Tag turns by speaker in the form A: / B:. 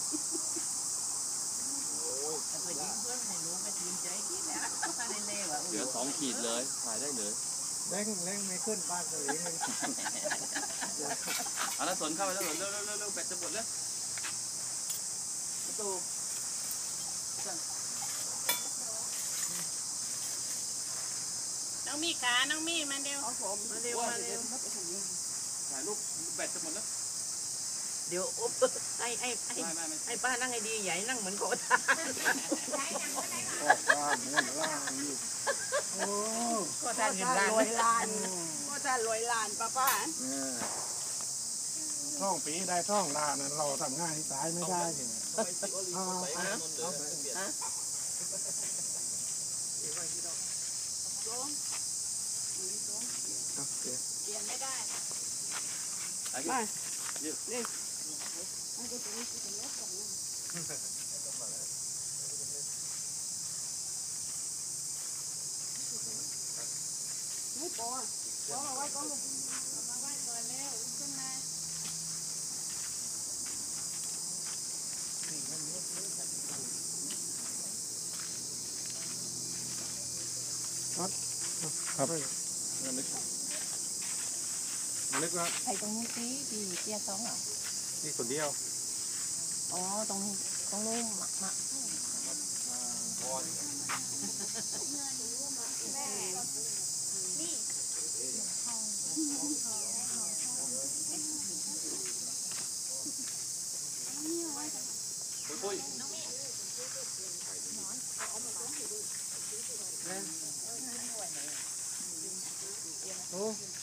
A: เหลือ2 ขีดเลยถ่ายได้เลย
B: เร่งไม่ขึ้นบ้านเลย
A: เอาละสนเข้าไปแล้วสนเร็วแบตจะหมดแล้วประตู
C: น้องมี่ขาน้องมี่มาเร็วมาเร็ว
A: ถ่ายรูปแบตจะหมดแล้ว
C: เดี๋ยวอุ๊บให้ป้านั่งให้ดีใหญ่นั่งเหมือนโคตาโคตาเงินล้านโคตารวยล้านป้า
B: ท่องปีได้ท่องล้านเราทำง่ายที่สายไม่ได้
C: เปลี่ยนไม่ได้
A: มา
C: นี่ไม่พอเอาไว้ก่อนเอาไว้ก่อนแล้วขึ้นมา
B: ครับนึกว่า
C: ไอ้ตรงนี้สิที่เตี้ยซ้องอ่ะ
B: นี่คนเดียว
C: อ๋อตรงนู้นหมัก
A: ปุ้ย
B: โอ้